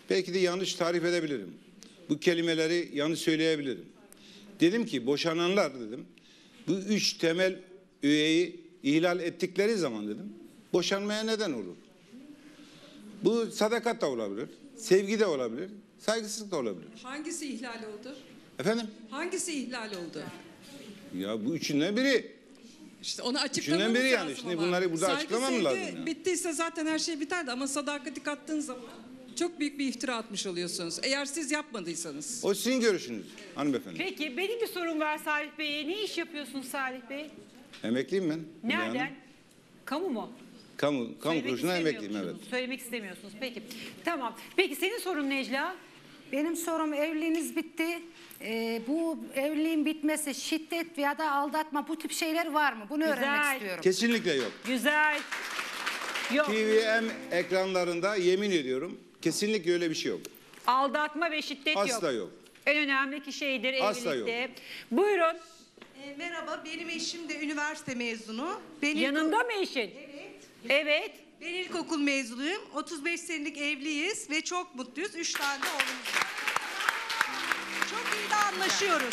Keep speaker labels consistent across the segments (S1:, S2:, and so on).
S1: Belki de yanlış tarif edebilirim. Bu kelimeleri yanlış söyleyebilirim. Dedim ki boşananlar dedim. Bu 3 temel öğeyi ihlal ettikleri zaman dedim. Boşanmaya neden olur. Bu sadakat da olabilir. Sevgi de olabilir. Saygısızlık da olabilir.
S2: Hangisi ihlal oldu?
S1: Efendim?
S2: Hangisi ihlal oldu?
S1: Ya bu üçünden biri.
S2: İşte onu açıklamamız
S1: Üçünden biri
S2: lazım
S1: yani. Şimdi
S2: ama.
S1: bunları burada açıklamam lazım.
S2: Sevgi
S1: Yani.
S2: bittiyse zaten her şey biterdi ama sadakati kattığın zaman çok büyük bir iftira atmış oluyorsunuz. Eğer siz yapmadıysanız.
S1: O sizin görüşünüz hanımefendi.
S3: Peki benim bir sorum var Salih Bey'e. Ne iş yapıyorsun Salih Bey?
S1: Emekliyim ben.
S3: Nereden?
S1: Yani.
S3: Kamu mu?
S1: Kamu
S3: Söylemek
S1: kuruluşuna emekliyim, evet.
S3: istemiyorsunuz, Söylemek istemiyorsunuz. Peki. Tamam. Peki senin sorun Necla?
S4: Benim sorum, evliliğiniz bitti. Bu evliliğin bitmesi, şiddet ya da aldatma, bu tip şeyler var mı? Bunu öğrenmek istiyorum.
S1: Kesinlikle yok.
S3: Güzel. Yok.
S1: TVM ekranlarında yemin ediyorum kesinlikle öyle bir şey yok.
S3: Aldatma ve şiddet yok.
S1: Asla yok.
S3: En önemli şeydir
S1: Asla
S3: evlilikte.
S1: yok.
S3: Buyurun.
S5: Merhaba, benim eşim de üniversite mezunu.
S3: Yanında mı eşin?
S5: Evet.
S3: Evet.
S5: Ben ilkokul mezunuyum. 35 senelik evliyiz ve çok mutluyuz. 3 tane de oğlumuz var. Çok iyi de anlaşıyoruz.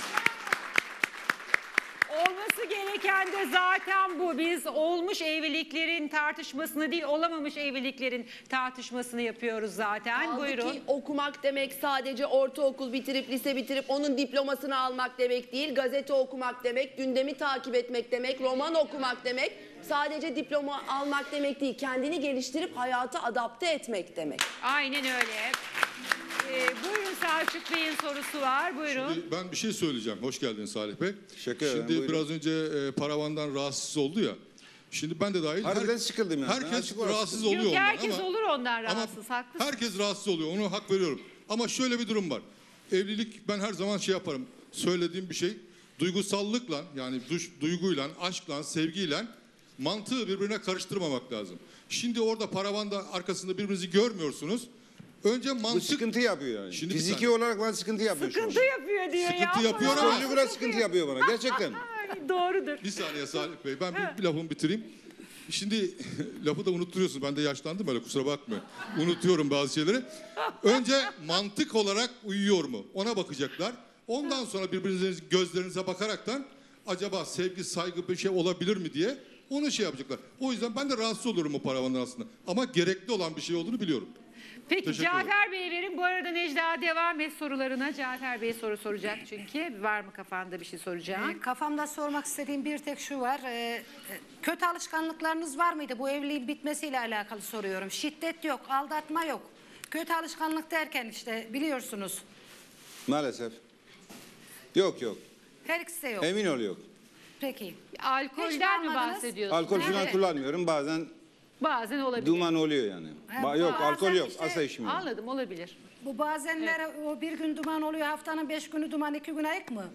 S3: Olması gereken de zaten bu. Biz olmuş evliliklerin tartışmasını değil, olamamış evliliklerin tartışmasını yapıyoruz zaten.
S6: Kaldı
S3: Buyurun.
S6: ki okumak demek sadece ortaokul bitirip, lise bitirip onun diplomasını almak demek değil. Gazete okumak demek, gündemi takip etmek demek, roman okumak demek. Sadece diploma almak demek değil. Kendini geliştirip hayata adapte etmek demek.
S3: Aynen öyle. Buyurun Selçuk Bey'in sorusu var. Buyurun.
S7: Şimdi ben bir şey söyleyeceğim. Hoş geldiniz Salih Bey.
S1: Teşekkür ederim.
S7: Şimdi
S1: Buyurun.
S7: biraz önce paravandan rahatsız oldu ya. Şimdi ben de dahil.
S1: Harbiden sıkıldım yani.
S7: Herkes
S1: Açık orası.
S7: rahatsız oluyor
S3: Yok,
S7: ondan
S3: herkes
S7: ama,
S3: olur ondan
S7: ama
S3: rahatsız. Haklısın.
S7: herkes rahatsız oluyor. Ona hak veriyorum. Ama şöyle bir durum var. Evlilik, ben her zaman şey yaparım. Söylediğim bir şey. Duygusallıkla, yani duyguyla, aşkla, sevgiyle mantığı birbirine karıştırmamak lazım. Şimdi orada paravanda arkasında birbirinizi görmüyorsunuz. Önce
S1: Bu
S7: mantık...
S1: sıkıntı yapıyor yani.
S7: Şimdi bir
S1: Fiziki
S7: saniye.
S1: olarak bana sıkıntı yapıyor. şu
S3: Sıkıntı
S1: anda.
S3: yapıyor diyor ya.
S7: Sıkıntı yapıyor ama-
S1: Psikolojik olarak sıkıntı yapıyor bana gerçekten.
S3: Ay, doğrudur.
S7: Bir saniye Salih Bey, ben bir lafımı bitireyim. Şimdi lafı da unutturuyorsun. Ben de yaşlandım öyle, kusura bakmayın. Unutuyorum bazı şeyleri. Önce mantık olarak uyuyor mu? Ona bakacaklar. Ondan sonra birbirinizin gözlerinize bakaraktan acaba sevgi, saygı bir şey olabilir mi diye onu şey yapacaklar. O yüzden ben de rahatsız olurum o paravandan aslında. Ama gerekli olan bir şey olduğunu biliyorum.
S3: Peki
S7: Teşekkür
S3: Cafer Bey'e verin. Bu arada Necla devam et sorularına. Cafer Bey soru soracak çünkü. Var mı kafanda bir şey soracağım?
S4: Kafamda sormak istediğim bir tek şu var. Kötü alışkanlıklarınız var mıydı? Bu evliliğin bitmesiyle alakalı soruyorum. Şiddet yok, aldatma yok. Kötü alışkanlık derken işte biliyorsunuz.
S1: Maalesef. Yok.
S4: Her ikisi de yok.
S1: Emin ol yok.
S4: Peki.
S3: Alkolden mi
S4: almadınız?
S3: bahsediyorsun?
S1: Alkol falan
S4: Evet.
S1: kullanmıyorum. Bazen
S3: Bazen olabilir.
S1: duman oluyor yani. Yok
S4: bazen
S1: alkol yok.
S4: işte-
S1: Asla içmiyorum.
S3: Anladım, olabilir.
S4: Bu bazenler o bir gün duman oluyor, haftanın 5 günü duman, 2 gün ayık mı?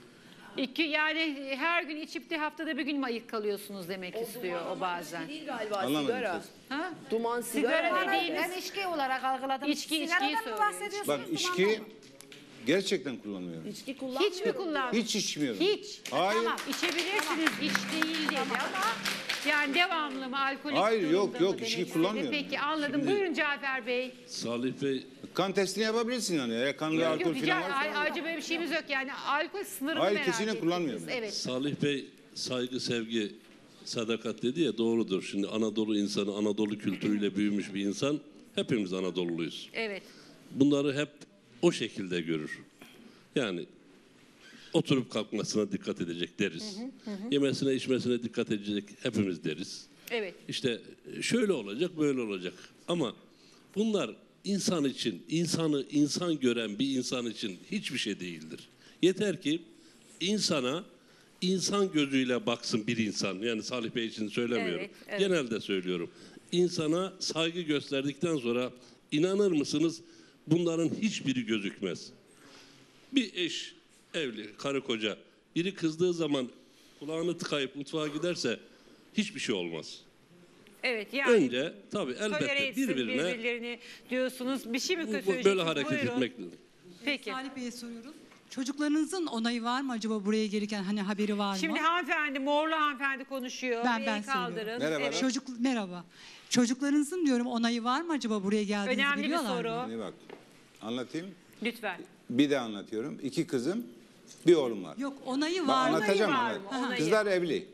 S3: Yani her gün içip de haftada bir gün mü ayık kalıyorsunuz demek istiyor o bazen.
S6: Değil galiba,
S1: Anlamadım
S6: sigara.
S1: siz.
S3: Ha?
S6: Duman,
S3: Sigara
S6: sigara.
S3: dediğiniz-
S4: Ben içki olarak algıladım.
S3: İçkiyi
S4: Sigaradan mı
S3: söylüyor.
S4: bahsediyorsunuz,
S1: Bak
S4: dumandan
S1: içki
S4: mı?
S1: gerçekten kullanmıyorum.
S6: İçki kullanmıyorum.
S3: Hiç mi kullandın?
S1: Hiç içmiyorum.
S3: Hiç.
S1: Hayır.
S3: Tamam, içebilirsiniz, hiç değil dedi ama yani devamlı mı, alkolik
S1: Hayır,
S3: durumda
S1: yok,
S3: mı
S1: yok,
S3: demek
S1: içki
S3: istedi?
S1: kullanmıyorum
S3: Peki
S1: yani.
S3: anladım. Buyurun Cafer Bey.
S8: Salih Bey,
S1: Kan testini yapabilirsin yani. Eğer kanlı alkol
S3: Yok,
S1: falan varsa.
S3: ayrıca böyle bir şeyimiz yok yani. Alkol sınırını
S1: Hayır,
S3: merak
S1: kesinlikle
S3: ettiniz.
S1: kullanmıyorum.
S3: Evet.
S8: Salih Bey saygı, sevgi, sadakat dedi ya, doğrudur. Şimdi Anadolu insanı, Anadolu kültürüyle büyümüş bir insan. Hepimiz Anadoluluyuz.
S3: Evet.
S8: Bunları hep o şekilde görür. Yani oturup kalkmasına dikkat edecek deriz. Yemesine içmesine dikkat edecek hepimiz deriz.
S3: Evet.
S8: İşte şöyle olacak, böyle olacak. Ama bunlar insan için, insanı insan gören bir insan için hiçbir şey değildir. Yeter ki insana insan gözüyle baksın bir insan. Yani Salih Bey için söylemiyorum.
S3: Evet, evet.
S8: Genelde söylüyorum. İnsana saygı gösterdikten sonra inanır mısınız bunların hiçbiri gözükmez. Bir eş, evli, karı koca, biri kızdığı zaman kulağını tıkayıp mutfağa giderse hiçbir şey olmaz.
S3: Evet yani.
S8: Önce tabii
S3: Tolere
S8: elbette
S3: etsin
S8: birbirine
S3: birbirlerini diyorsunuz. Bir şey mi
S8: böyle
S3: söyleyeceksiniz?
S8: hareket
S3: Buyurun.
S8: etmek lazım.
S3: Peki.
S2: Salih Bey'e soruyoruz. Çocuklarınızın onayı var mı acaba buraya gelirken, hani haberi var mı?
S3: Şimdi hanımefendi, morlu hanımefendi konuşuyor.
S2: Ben
S3: Bir el
S2: söylüyorum.
S3: kaldırın.
S1: Merhaba.
S2: Merhaba. Çocuklarınızın diyorum onayı var mı acaba buraya geldiğinizi
S3: Önemli bir
S2: biliyorlar
S3: soru.
S2: mı?
S1: Hani bak. Anlatayım.
S3: Lütfen.
S1: Bir de anlatıyorum. 2 kızım, bir oğlum var.
S5: Yok onayı
S1: Bak,
S5: var mı?
S1: anlatacağım.
S3: var mı?
S1: anlat.
S3: Onayı.
S1: Kızlar evli.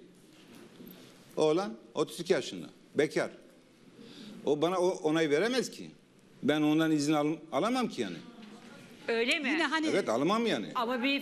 S1: Oğlan 32 yaşında. Bekar. O bana onay veremez ki. Ben ondan izin alamam ki yani.
S3: Öyle mi?
S5: Yine hani
S1: Evet, alamam yani.
S3: Ama bir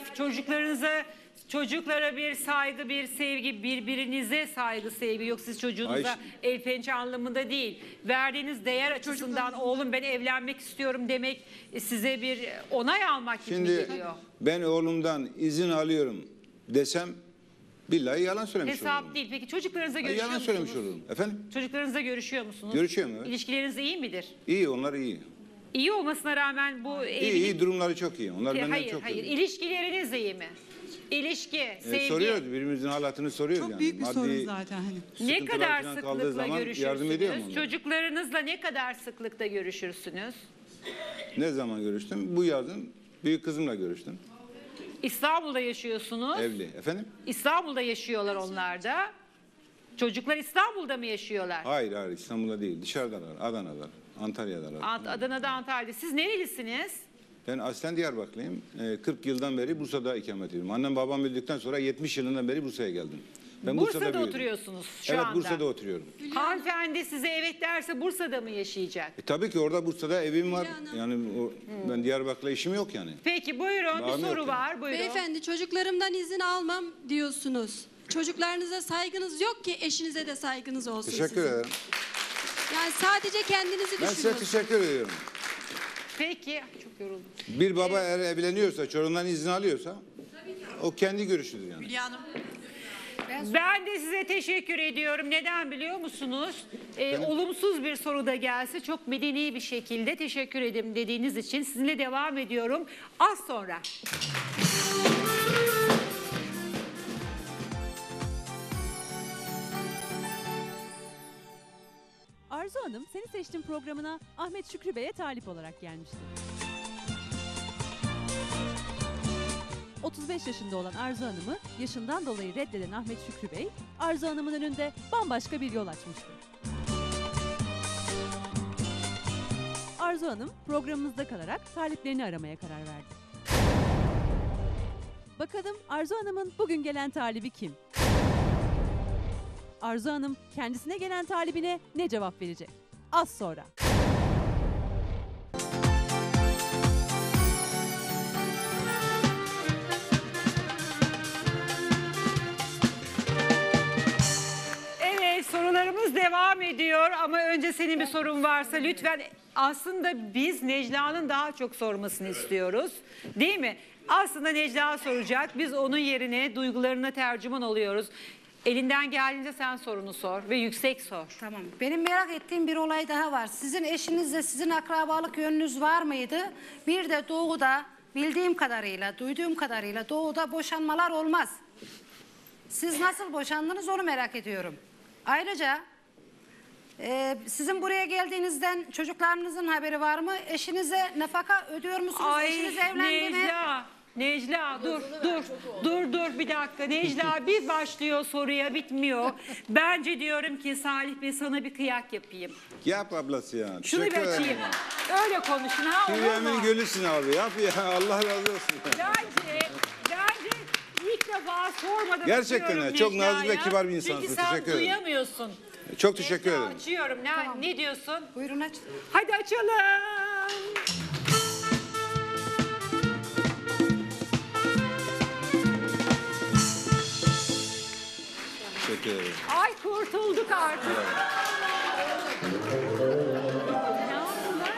S3: çocuklara bir saygı, bir sevgi, birbirinize saygı, sevgi yok. Siz çocuğunuza
S1: Ay,
S3: el pençe anlamında değil. Verdiğiniz değer açısından oğlum ben evlenmek istiyorum demek size bir onay almak gibi mi
S1: Şimdi
S3: geliyor?
S1: ben oğlumdan izin alıyorum desem billahi yalan söylemiş
S3: Hesap
S1: olurum.
S3: değil. Peki çocuklarınızla
S1: Ay,
S3: görüşüyor
S1: yalan
S3: musunuz?
S1: söylemiş olurum. Efendim?
S3: Çocuklarınızla görüşüyor musunuz?
S1: Görüşüyorum, evet.
S3: İlişkileriniz iyi midir?
S1: İyi, onlar iyi.
S3: İyi olmasına rağmen bu
S1: İyi, durumları çok iyi. Onlar benden
S3: Hayır,
S1: çok
S3: hayır.
S1: iyi.
S3: İlişkileriniz iyi mi? İlişki, sevgi.
S1: Soruyoruz, birbirimizin halatını soruyoruz
S5: çok
S1: yani.
S5: büyük bir
S1: Maddi
S5: sorun zaten hani.
S3: Ne
S1: sıkıntılar
S3: kadar
S1: falan kaldığı
S3: sıklıkla
S1: zaman yardım ediyorum
S3: görüşürsünüz?
S1: onlara.
S3: Çocuklarınızla ne kadar sıklıkta görüşürsünüz?
S1: Ne zaman görüştüm? Bu yazın büyük kızımla görüştüm.
S3: İstanbul'da yaşıyorsunuz.
S1: Evli. Efendim?
S3: İstanbul'da yaşıyorlar onlar da. Çocuklar İstanbul'da mı yaşıyorlar?
S1: Hayır, İstanbul'da değil. Dışarıdalar. Adana'dalar. Antalya'dalar.
S3: Adana'da, Antalya'da. Siz nerelisiniz?
S1: Ben aslen Diyarbakırlıyım. 40 yıldan beri Bursa'da ikamet ediyorum. Annem babam öldükten sonra 70 yılından beri Bursa'ya geldim. Ben
S3: Bursa'da
S1: büyüdüm.
S3: oturuyorsunuz şu
S1: Evet,
S3: anda.
S1: Bursa'da oturuyorum.
S3: Hanımefendi size evet derse Bursa'da mı yaşayacak?
S1: Tabii ki orada Bursa'da evim var. Yani ben Diyarbakır'la işim yok yani.
S3: Peki buyurun
S1: Bağım
S3: bir soru
S1: yok
S3: var. Buyurun.
S9: Beyefendi çocuklarımdan izin almam diyorsunuz. Çocuklarınıza saygınız yok ki eşinize de saygınız olsun
S1: Teşekkür
S9: sizin.
S1: ederim.
S9: Yani sadece kendinizi
S1: Ben size
S9: düşünüyorsunuz.
S1: teşekkür ediyorum.
S3: Peki. Çok yoruldum.
S1: Bir baba eğer evleniyorsa, çocuğundan izin alıyorsa o kendi görüşüdür yani.
S3: Ben de size teşekkür ediyorum. Neden biliyor musunuz? Olumsuz bir soru da gelse çok medeni bir şekilde teşekkür ederim dediğiniz için sizinle devam ediyorum. Az sonra.
S10: Arzu Hanım Seni Seçtim programına Ahmet Şükrü Bey'e talip olarak gelmişti. 35 yaşında olan Arzu Hanım'ı yaşından dolayı reddeden Ahmet Şükrü Bey, Arzu Hanım'ın önünde bambaşka bir yol açmıştı. Arzu Hanım programımızda kalarak taliplerini aramaya karar verdi. Bakalım Arzu Hanım'ın bugün gelen talibi kim? Arzu Hanım kendisine gelen talibine ne cevap verecek? Az sonra.
S3: Evet sorularımız devam ediyor ama önce senin bir sorun varsa lütfen aslında biz Necla'nın daha çok sormasını istiyoruz değil mi? Aslında Necla soracak biz onun yerine duygularına tercüman oluyoruz. Elinden geldiğince sen sorunu sor ve yüksek sor.
S4: Tamam. Benim merak ettiğim bir olay daha var. Sizin eşinizle sizin akrabalık yönünüz var mıydı? Bir de doğuda bildiğim kadarıyla, duyduğum kadarıyla doğuda boşanmalar olmaz. Siz nasıl boşandınız onu merak ediyorum. Ayrıca sizin buraya geldiğinizden çocuklarınızın haberi var mı? Eşinize nafaka ödüyor musunuz? Eşiniz evlendi mi?
S3: Necla dur bir dakika. Necla bir başlıyor soruya bitmiyor. Bence diyorum ki Salih Bey sana bir kıyak yapayım.
S1: Yap ablası ya.
S3: Şunu bir
S1: Teşekkür ederim.
S3: açayım. Öyle konuşun ha olur
S1: Dünyanın
S3: mu?
S1: gölüsün abi. Yap ya. Allah razı olsun.
S3: Bence ilk defa sormadan
S1: Gerçekten
S3: açıyorum
S1: ya, çok nazik ve
S3: Necla'ya.
S1: kibar bir insansın.
S3: Çünkü sen
S1: Teşekkür ederim.
S3: duyamıyorsun.
S1: Çok teşekkür
S3: Necla,
S1: ederim.
S3: açıyorum. Ne diyorsun?
S4: Buyurun aç.
S3: Hadi açalım.
S1: Teşekkür ederim.
S3: Ay kurtulduk artık. Ne yaptılar?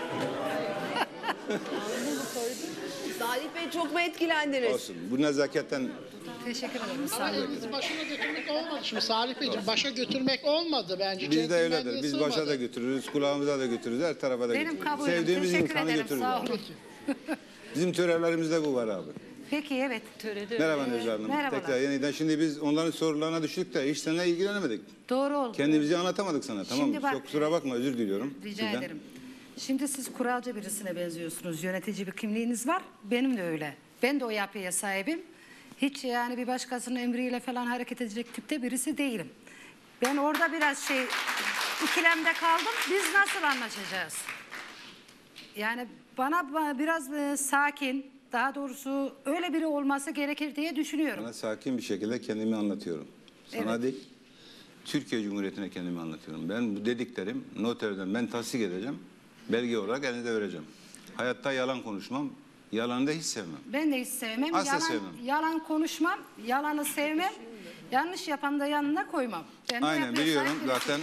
S6: Salih Bey çok mu etkilendiniz?
S1: Olsun. Bu nezaketten
S4: Teşekkür ederim. Sağ
S11: Ama
S4: olun.
S11: elinizi başına götürmek olmadı şimdi Salih Beyciğim. Başa götürmek olmadı bence.
S1: biz de öyledir.
S11: Centilmenliğe
S1: Biz
S11: sığmadı.
S1: başa da götürürüz, kulağımıza da götürürüz, her tarafa da
S4: Benim
S1: götürürüz.
S4: kabulüm.
S1: Sevdiğimiz
S4: Teşekkür
S1: insanı
S4: ederim.
S1: götürürüz.
S4: Sağ olun.
S1: Bizim törelerimizde bu var abi.
S4: Peki evet.
S1: Merhaba Necla Hanım.
S4: Merhabalar.
S1: Tekrar yeniden. Şimdi biz onların sorularına düştük de hiç seninle ilgilenemedik.
S4: Doğru oldu.
S1: Kendimizi anlatamadık sana, tamam mı?
S4: Şimdi bak-
S1: Çok kusura bakma, özür diliyorum.
S4: Rica
S1: sizden.
S4: ederim. Şimdi siz kuralcı birisine benziyorsunuz. Yönetici bir kimliğiniz var. Benim de öyle. Ben de o yapıya sahibim. Hiç yani bir başkasının emriyle falan hareket edecek tipte birisi değilim. Ben orada biraz ikilemde kaldım. Biz nasıl anlaşacağız? Yani bana biraz sakin, daha doğrusu öyle biri olması gerekir diye düşünüyorum.
S1: Sana sakin bir şekilde kendimi anlatıyorum. Sana değil, Türkiye Cumhuriyeti'ne kendimi anlatıyorum. Ben bu dediklerim noterden ben tasdik edeceğim. Belge olarak elinize vereceğim. Hayatta yalan konuşmam. Yalanı da hiç sevmem.
S4: Ben de hiç sevmem.
S1: Asla sevmem.
S4: Yalan konuşmam, yalanı sevmem. Yanlış yapan da yanına koymam. Ben de
S1: Aynen
S4: yapmaya
S1: biliyorum
S4: sahip birisiyim.
S1: zaten.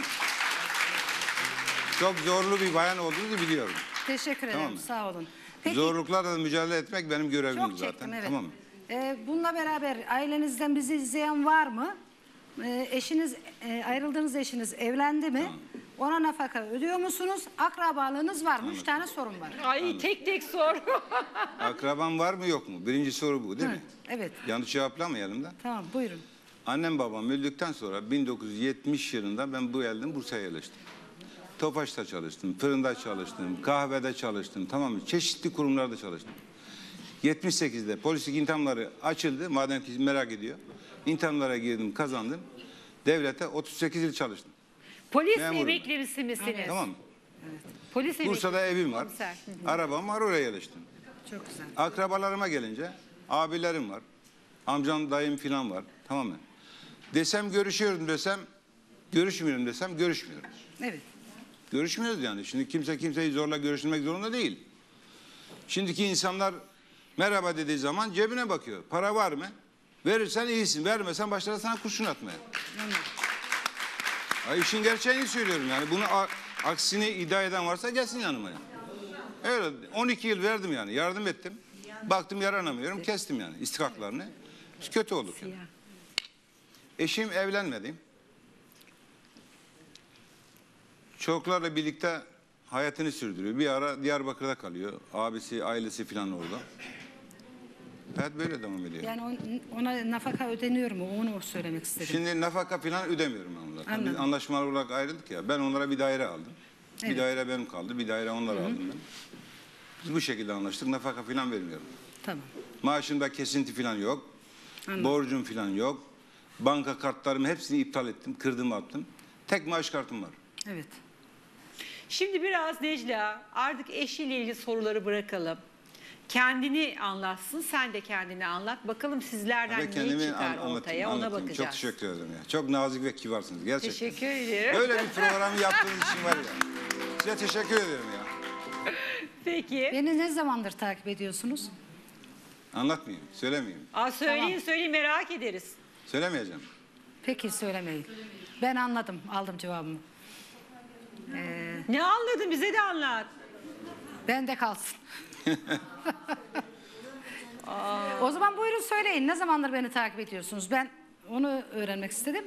S1: Çok zorlu bir bayan olduğunuzu biliyorum.
S4: Teşekkür ederim,
S1: Tamam mı?
S4: sağ olun. Peki,
S1: Zorluklarla mücadele etmek benim görevim
S4: çok
S1: zaten.
S4: çektim, evet.
S1: Tamam mı?
S4: Bununla beraber ailenizden bizi izleyen var mı? Ayrıldığınız eşiniz evlendi mi? Ona nafaka ödüyor musunuz? Akrabalığınız var mı? 3 tane sorun var.
S3: Ay tek tek sor.
S1: Akraban var mı yok mu? Birinci soru bu değil mi?
S4: Evet,
S1: Yanlış cevaplamayalım da.
S4: tamam buyurun.
S1: Annem babam öldükten sonra 1970 yılında ben bu geldim Bursa'ya yerleştim. Tofaş'ta çalıştım, fırında çalıştım, kahvede çalıştım, tamam mı? Çeşitli kurumlarda çalıştım. 78'de polislik imtihanları açıldı, madem ki merak ediyor. İmtihanlara girdim, kazandım. Devlete 38 yıl çalıştım.
S3: Polis
S1: Memurum
S3: emeklisi misiniz?
S1: Tamam mı?
S3: Polis emeklisi.
S1: Bursa'da evim var,
S3: Komiser. Hı hı.
S1: arabam var, oraya yerleştim.
S4: Çok güzel.
S1: Akrabalarıma gelince abilerim var, amcam, dayım filan var, tamam mı? Desem görüşüyorum desem, görüşmüyorum desem görüşmüyorum.
S4: Evet.
S1: Görüşmüyoruz yani. Şimdi kimse kimseyi zorla görüştürmek zorunda değil. Şimdiki insanlar merhaba dediği zaman cebine bakıyor. Para var mı? Verirsen iyisin, vermesen başlar sana kurşun atmaya. Ay işin gerçeğini söylüyorum yani. Bunu aksini iddia eden varsa gelsin yanıma yani. Öyle 12 yıl verdim yani. Yardım ettim. Baktım yaranamıyorum. Kestim yani istikaklarını. Biz kötü olduk yani. Eşim evlenmedi. Çocuklarla birlikte hayatını sürdürüyor. Bir ara Diyarbakır'da kalıyor. Abisi, ailesi falan orada. Hayat böyle devam ediyor.
S4: Yani ona nafaka ödeniyor mu? Onu söylemek istedim.
S1: Şimdi nafaka falan ödemiyorum ben onlara.
S4: Anladım.
S1: Biz anlaşmalı olarak ayrıldık ya. Ben onlara bir daire aldım. Bir
S4: Evet.
S1: daire benim kaldı. Bir daire onlara aldım ben. Biz bu şekilde anlaştık. Nafaka falan vermiyorum.
S4: Tamam.
S1: Maaşımda kesinti falan yok.
S4: Anladım.
S1: Borcum falan yok. Banka kartlarımı hepsini iptal ettim. Kırdım attım. Tek maaş kartım var.
S4: Evet.
S3: Şimdi biraz Necla artık eşiyle ilgili soruları bırakalım. Kendini anlatsın, sen de kendini anlat. Bakalım sizlerden
S1: Ve
S3: ne
S1: kendimi
S3: çıkar ortaya, ona
S1: anlatayım.
S3: bakacağız.
S1: Çok teşekkür ederim ya. Çok nazik ve kibarsınız gerçekten.
S3: Teşekkür ederim.
S1: Böyle bir programı yaptığınız için var ya. Size teşekkür ederim ya.
S3: Peki.
S4: Beni ne zamandır takip ediyorsunuz?
S1: Anlatmayayım, söylemeyeyim.
S3: Söyleyin merak ederiz.
S1: Söylemeyeceğim.
S4: Peki söylemeyin. Ben anladım, aldım cevabımı.
S3: Ne anladın, bize de anlat.
S4: Bende kalsın. O zaman buyurun söyleyin. Ne zamandır beni takip ediyorsunuz? Ben onu öğrenmek istedim.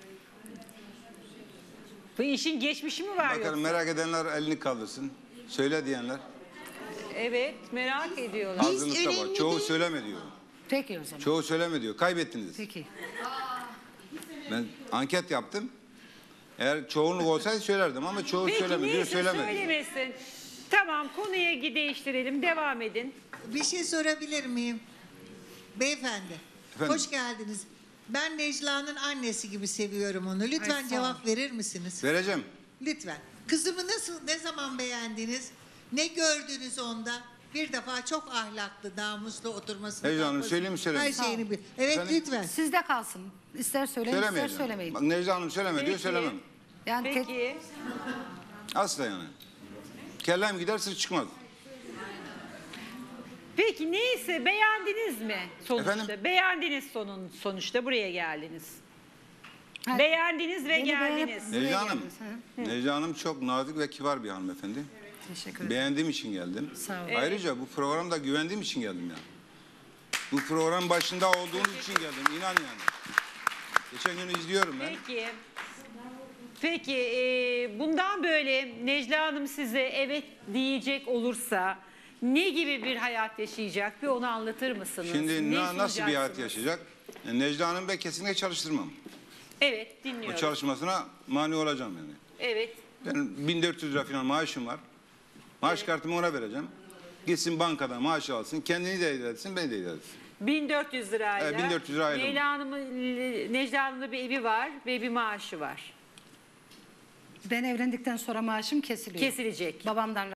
S3: Bu işin geçmişi mi var
S1: Bakalım
S3: yoksa?
S1: merak edenler elini kaldırsın. Söyle diyenler.
S3: Evet, merak ediyorlar.
S1: Ağzınızda var. Çoğu söyleme diyor.
S4: Peki o zaman.
S1: Çoğu söyleme diyor. Kaybettiniz.
S4: Peki.
S1: Ben anket yaptım. Eğer çoğunluk olsaydı söylerdim ama çoğu
S3: Peki
S1: söyleme diyor.
S3: neyse
S1: Söylemedi.
S3: söylemesin. Tamam, konuyu değiştirelim, devam edin.
S12: Bir şey sorabilir miyim? Beyefendi,
S1: Efendim?
S12: hoş geldiniz. Ben Necla'nın annesi gibi seviyorum onu. Lütfen
S4: Ay, sağ
S12: cevap verir misiniz?
S1: Vereceğim.
S12: Lütfen. Kızımı ne zaman beğendiniz? Ne gördünüz onda? Bir defa çok ahlaklı, namuslu oturmasını.
S1: Necla Hanım,
S12: kalkmasını,
S1: söyleyeyim mi, söylemeyeyim
S12: Her
S1: mi?
S12: şeyini bil. Evet
S1: Efendim?
S12: lütfen.
S4: Sizde kalsın. İster söyleyin, ister
S1: Söylemeyeceğim.
S4: söylemeyin.
S1: Bak Necla Hanım söyleme diyor
S3: Peki.
S1: söylemem.
S4: Yani
S3: Peki.
S1: Asla yani. Kellem gider sır çıkmaz.
S3: Peki neyse beğendiniz mi sonuçta?
S1: Efendim?
S3: Beğendiniz sonuçta buraya geldiniz.
S4: Ha,
S3: Beğendiniz ve
S4: beni
S3: geldiniz.
S4: Buraya
S1: Necla Hanım.
S4: geldiniz, ha?
S1: Necla Hanım çok nazik ve kibar bir hanımefendi.
S4: Teşekkür ederim.
S1: Beğendiğim için geldim.
S4: Sağ olun.
S1: Ayrıca bu programda güvendiğim için geldim yani. Bu program başında olduğunuz için geldim. İnan yani. Geçen gün izliyorum ben.
S3: Peki bundan böyle Necla Hanım size evet diyecek olursa ne gibi bir hayat yaşayacak? Bir onu anlatır mısınız?
S1: Şimdi
S3: Ne
S1: nasıl bir hayat
S3: sunacaksınız?
S1: yaşayacak? Necla Hanım ben kesinlikle çalıştırmam.
S3: Evet
S1: O
S3: dinliyorum.
S1: çalışmasına mani olacağım yani.
S3: Evet.
S1: Benim 1400 lira falan maaşım var. Maaş kartımı ona vereceğim. Gitsin bankada maaş alsın. Kendini de idare etsin, beni de idare etsin.
S3: 1400 lirayla.
S1: Evet, 1400 lirayla.
S3: Necla Hanım'ın bir evi var ve bir maaşı var.
S4: Ben evlendikten sonra maaşım kesiliyor.
S3: Kesilecek.
S4: Babamdan